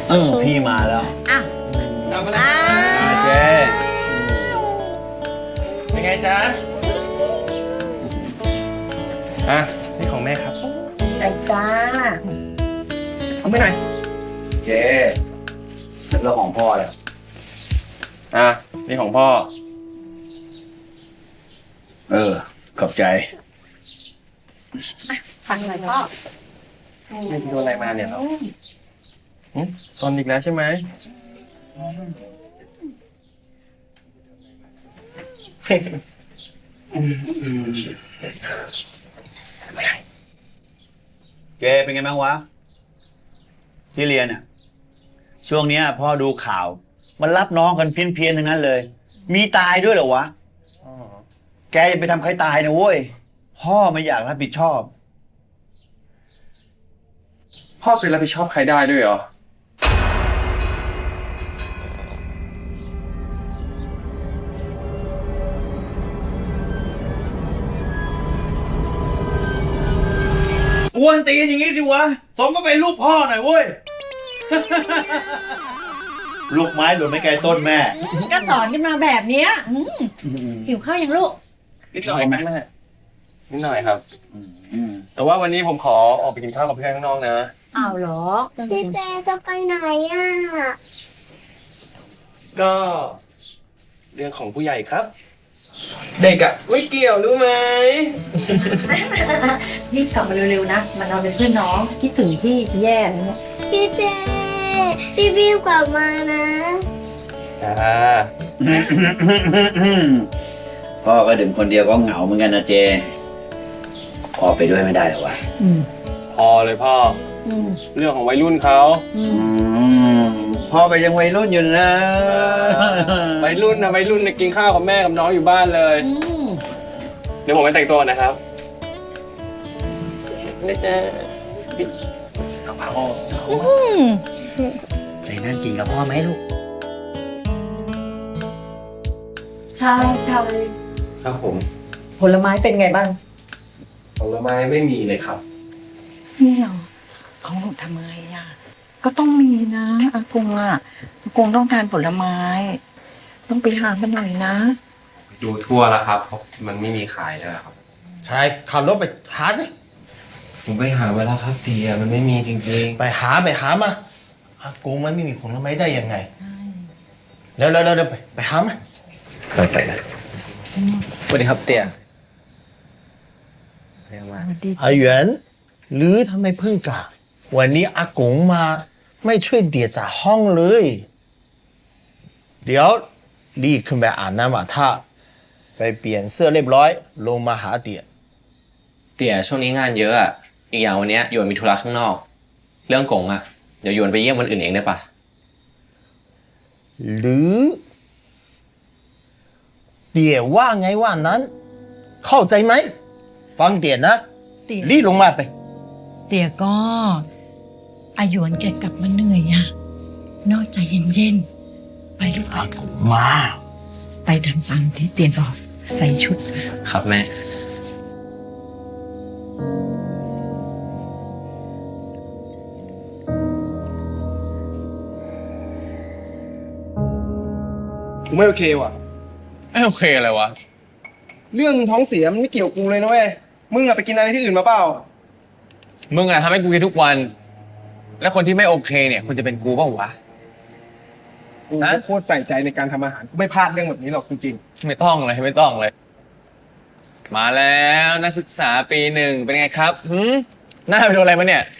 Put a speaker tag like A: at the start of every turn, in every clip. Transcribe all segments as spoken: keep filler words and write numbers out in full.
A: เออพี่มาแล้ว
B: อ่ะ
C: ทำอะไรเจ๊เป็นไงจ๊ะอ่ะนี่ของแม่ครับ
B: ไอ้จ้า
C: เอาไปหน่อยเจ๊
A: เรื่องของพ่อเลย
C: อ่ะนี่ของพ่อ
A: เออขอบใจ
B: ฟังหน่อยพ่อ
C: ไม่โดนอะไรมาเนี่ยเราซนอีกแล้วใช่ไหม
A: เจเป็นไงบ้างวะที่เรียนอ่ะช่วงนี้พ่อดูข่าวมันรับน้องกันเพี้ยนๆทั้งนั้นเลยมีตายด้วยเหรอวะแกอย่าไปทำใครตายนะเว้ยพ่อไม่อยากรับผิดชอบ
C: พ่อเคยรับผิดชอบใครได้ด้วยเหรอ
A: กวนตีนอย่างนี้สิวะสมก็เป็นลูกพ่อหน่อยเว้ย ลูกไม้หล่นไม่ไกลต้นแม่
B: ก็สอนกันมาแบบเนี้ยหิวข้าวยังลูก
C: นิดหน่อยไหมนิดหน่อยครับแต่ว่าวันนี้ผมขอออกไปกินข้าวกับเพื่อนข้างนอกนะ
B: อ้าวเหรอ
D: พี่เจจะไปไหนอ่ะ
C: ก็เรื่องของผู้ใหญ่ครับเด็กอะไม่เกี่ยวรู้ไหม
B: รีบกลับมาเร็วๆนะมันเราเป็นเพื่อนน้องคิดถึงพี่จะแย่เลยเนี่ย
D: พี่เจรีบๆกลับมานะ
C: จ้า
A: พ่อก็ดื่มคนเดียวก็เหงาเหมือนกันนะเจพ่อไปด้วยไม่ได้หรอวะ
C: พอเลยพ่อเรื่องของวัยรุ่นเขา
A: พ่อก็ยังวัยรุ่นอยู่นะ
C: วัยรุ่นนะวัยรุ่นเนี่ยกินข้าวกับแม่กับน้องอยู่บ้านเลยเดี๋ยวผมไปแต่งตัวนะครับนี่จะเอาพ่อ
A: ไปนั่งกินกับพ่อไหมลูก
B: ใช่ใช่
C: ครับผม
B: ผลไม้เป็นไงบ้าง
C: ผลไม้ไม่มีเลยครับ
B: นี่เหรอเอาหนูทำไงอ่ะก็ต้องมีนะอากงอ่ะอากงต้องทานผลไม้ต้องไปหามันหน่อยนะ
C: ดูทั่วแล้วครับมันไม่มีขายแล้วครับ
E: ใช่ขับรถไปหาสิ
C: ผมไปหาเวลาครับเตียมันไม่มีจริง
E: ๆไปหาไปหามาอากงมันไม่มีผลไม้ได้ยังไงใช่แล้วแล้วแล้วไปไปหามา
A: ไปไปไป
C: สวัสดีครับเตีย
E: อาเหวียนหรือทำไมเพิ่งกลับวันนี้อากงมาไม่ช่วยเดียจากห้องเลยเดี๋ยวรีบขึ้นไปอาบน้ำอาบท่าไปเปลี่ยนเสื้อเรียบร้อยลงมาหาเตีย
F: เตี่ยช่วงนี้งานเยอะอ่ะอีกอย่างวันนี้หยวนมีธุระข้างนอกเรื่องกงอ่ะเดี๋ยวหยวนไปเยี่ยมวันอื่นเองได้ปะ
E: หรือเตี่ยว่าไงว่านั้นเข้าใจไหมฟังเตี่ยนะรีบลงมาไป
B: เตี่ยก็อาหยวนแกกลับมาเหนื่อยอ่ะนอกใจเย็นๆไปลูก
E: อากูมา
B: ไปทำตามที่เตี่ยบอกใส่ชุด
F: ครับแม่
C: กูไม่โอเคว่ะ
F: ไม่โอเคอะไรวะ
C: เรื่องท้องเสียมันไม่เกี่ยวกูเลยนะเว้ยมึงอะไปกินอะไรที่อื่นมาเปล่า
F: มึงอะทำให้กูกินทุกวันแล้วคนที่ไม่โอเคเนี่ยควรจะเป็นกูเปล่าวะ
C: กูโคตรใส่ใจในการทำอาหารกูไม่พลาดเรื่องแบบนี้หรอกจริง
F: ๆไม่ต้องเลยไม่ต้องเลยมาแล้วนักศึกษาปีหนึ่งเป็นไงครับหืมหน้าไปโดนอะไรมาเนี่ย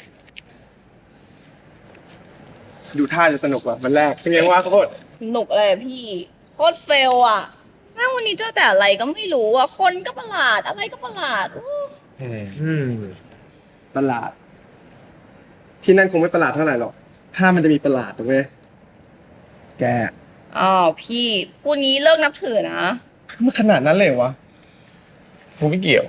C: ดูท่าจะสนุกว่ะมันแรกเป็นไงวะโคตร
G: สนุกอะไรพี่โคตรเฟลอ่ะแม่วันนี้เจอแต่อะไรก็ไม่รู้อ่ะคนก็ประหลาดอะไรก็ประหลาด
C: อืมประหลาดที่นั่นคงไม่ประหลาดเท่าไหร่หรอกถ้ามันจะมีประหลาดถูกไหมแก
G: อ้าวพี่พูดงี้เลิกนับถือนะ
C: มันขนาดนั้นเลยวะ
F: กูไม่เกี่ยว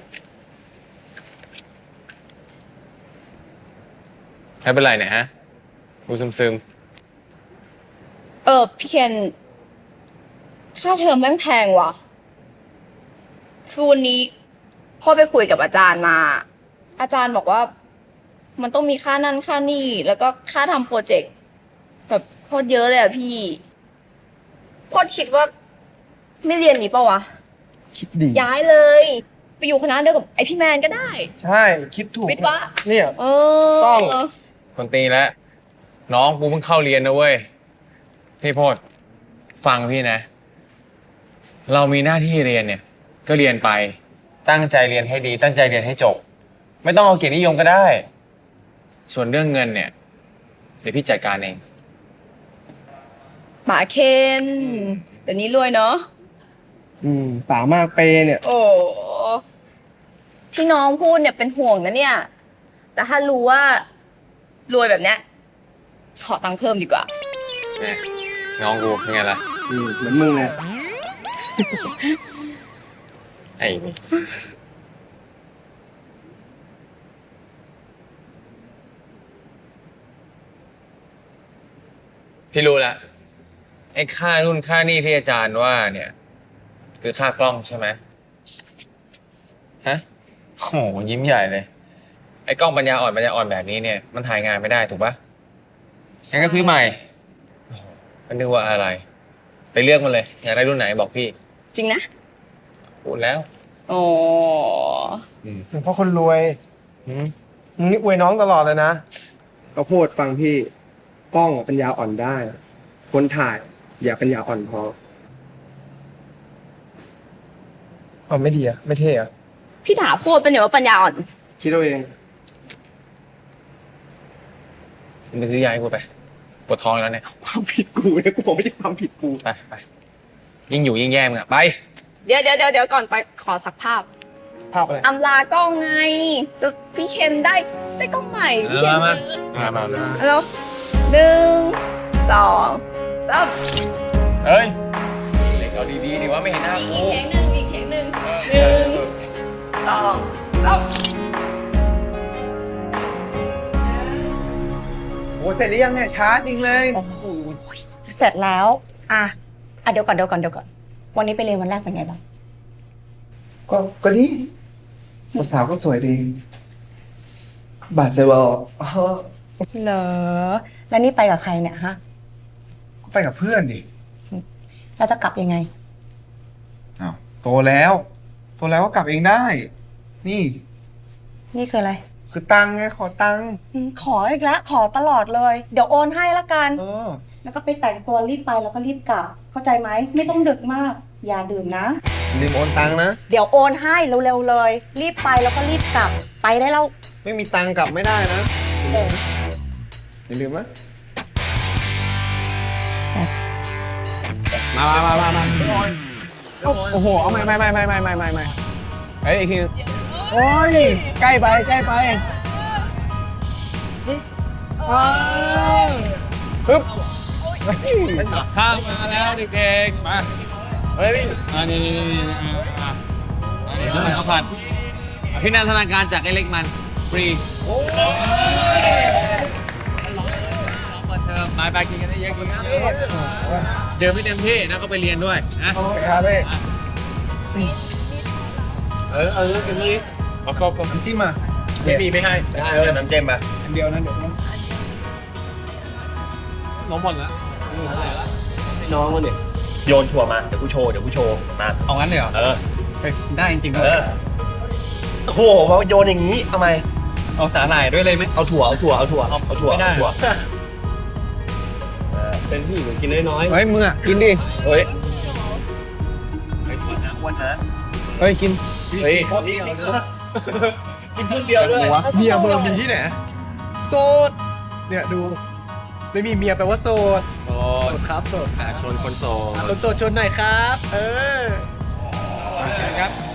F: ไม่เป็นไรเนี่ยฮะกูซึมซึม
G: เออพี่เคนค่าเทอมแม่งแพงว่ะคือวันนี้พ่อไปคุยกับอาจารย์มาอาจารย์บอกว่ามันต้องมีค่านั่นค่านี่แล้วก็ค่าทำโปรเจกต์แบบโคตรเยอะเลยอะพี่โคตรคิดว่า ไม่เรียนนี้ปะวะ
C: คิดดี
G: ย้ายเลย ไปอยู่คณะเดียวกับไอพี่แมนก็ได้
C: ใช่ คิดถูก
G: วิทย์วะ
C: เนี่ย
G: เออ
C: ต้อง
F: คนตีแล้ว น้องกูเพิ่งเข้าเรียนนะเว้ย พี่โพดฟังพี่นะ เรามีหน้าที่เรียนเนี่ย ก็เรียนไป ตั้งใจเรียนให้ดี ตั้งใจเรียนให้จบ ไม่ต้องเอาเกียรตินิยมก็ได้ ส่วนเรื่องเงินเนี่ย เดี๋ยวพี่จัดการเอง
G: หมาเคนเดี๋ยวนี้รวยเนาะ
C: อืมป่ามากเปย์เนี่ย
G: โอ้ที่น้องพูดเนี่ยเป็นห่วงนะเนี่ย แต่ถ้ารู้ว่ารวยแบบเนี้ยขอตังค์เพิ่มดีกว่า
F: เนี่ยน้องกูเป็นไงล่ะ
C: อืมเหมือนมึงเลย
F: ไอ้นี่พี่รู้ละไอ้ค่านู่นค่านี่ที่อาจารย์ว่าเนี่ย คือค่ากล้องใช่ไหมฮะโหยิ้มใหญ่เลย ไอ้กล้องปัญญาอ่อนปัญญาอ่อนแบบนี้เนี่ย มันถ่ายงานไม่ได้ถูกปะงั้นก็ซื้อใหม่โอ้โหก็นึกว่าอะไร ไปเลือกมันเลย อยากได้รุ่นไหนบอกพี่
G: จริงนะ
F: พูดแล้ว
G: โอ้
C: เพราะคนรวย
F: อืม
C: มึงนี่อวยน้องตลอดเลยนะก็พูดฟังพี่ กล้องปัญญาอ่อนได้ คนถ่าย อย่าปัญญาอ่อนพออ๋อไม่ดีอะไม่เท่อะ
G: พี่ถาพูดเป็นอย่างว่าปัญญาอ่อน
C: คิดเอาเอง
F: มึงไปซื้อยาให้กูไป ปวดท้องแล้วเนี่ย
C: ความผิดกูเนี่ยกูบอกไม่ใช่ความผิดกู
F: ไปไปยิ่งอยู่ยิ่งแย่มึงอะไป
G: เดี๋ยวเดี๋ยวเดี๋ยวเดี๋ยวก่อนไปขอสักภาพ
C: ภาพอะไร
G: อำลากล้องไง จะพี่เคนได้ได้กล้องใหม่พี่เคน
F: มามา
G: ซื้อ
F: มามามา
G: แล้วหนึ่งสองสาม
F: เฮ้ยเล็กเอาดีๆดิว่าไม่เห็นหน้า
G: อีก
F: กู
G: อีกเทคหนึ่งอีกเทคหนึ่งหนึ่งสองสาม
C: โอ้เสร็จหรือยังเนี่ยช้าจริงเลย
H: โอ้โหเสร็จแล้ว อ่ะ อ่ะเดี๋ยวก่อนเดี๋ยวก่อนเดี๋ยวก่อน วันนี้ไปเรียนวันแรกเป็นไงบ้าง
C: ก็ก็ดีสาวๆก็สวยดี บาดเจ็บอ่ะ
H: เหรอ แล้วนี่ไปกับใครเนี่ยฮะ
C: ก็ไปกับเพื่อนดิ
H: เราจะกลับยังไง
C: อ้าวโตแล้ว โตแล้วก็กลับเองได้ นี่
H: นี่คืออะไร
C: คือตังค์ไงขอตังค์
H: อืมขออีกแล้ว ขอตลอดเลย เดี๋ยวโอนให้ละกัน
C: เออ
H: แล้วก็ไปแต่งตัวรีบไปแล้วก็รีบกลับ เข้าใจไหม ไม่ต้องดึกมาก อย่าดื่มนะ
C: ลืมโอนตังค์นะ
H: เดี๋ยวโอนให้เร็วๆเลย รีบไปแล้วก็รีบกลับ ไปได้แล้ว
C: ไม่มีตังค์กลับไม่ได้นะ
H: เดิน
C: อย่าลืมนะ
F: มามามามามา
C: โอ้โห เอาไม่ไม่ไม่ไม่ไม่ไม่ไม่ไม่เฮ้ยอีกทีนึงโอ้ย ใกล้ไป ใกล้ไปปึ๊บ
F: ข้าวมาแล้วเด็กๆมาเฮ้ยอ่านี่นี่นี่นี่อ่าอันนี้ข้าวผัดพี่นันธนาการจากไอ้เล็กมันฟรีโอ้ยเปิดเทอมไปไปกินกันได้เยอะกินกันได้เยอะเดี๋ยวไม่เต็มที่นะก็ไปเรียนด้วยนะ
C: ครับพี่
F: เออเออกินนี่เอาก็ก็
C: น้ำจิ้มอ่ะ
F: ไม่มีไม่ให้
A: เออน้ำเจมปะ
C: อันเดียวนะเดี๋ยวนะ
F: น้องหมดแล้ว
A: น้องมันเนี่ยโยนถั่วมา เดี๋ยวกูโชว์ เดี๋ยวกูโชว์ มา
F: เอางั้นเลยเหรอ
A: เออ
F: ได้จริงๆ
A: เออ โอ้โหมาโยนอย่างนี้ทำไม
F: เอาสาหร่ายด้วยเลยไหม
A: เอาถั่ว เอาถั่ว เอาถั่ว เอาถั่ว
F: ไม่ได้
A: เอาถั่ว
F: เป็นพี่กินน้อย
C: เฮ้ยมึงอ่ะ กินดิ
F: ๆเฮ้ย
A: ไอ้อ้วนนะอ้วนนะ
C: เฮ้ย กิน
F: เฮ้ย
A: นี่นี่ครับกินครึ่งเดียวด้วย
C: เมียเบอร์มีที่ไหนโสด เนี่ยดู ไม่มีเมียแปลว่าโสด
F: โอ้
C: โสดครับโสด
F: ชนคนโสด
C: คนโสดชนหน่อยครับ เออเชิญครับ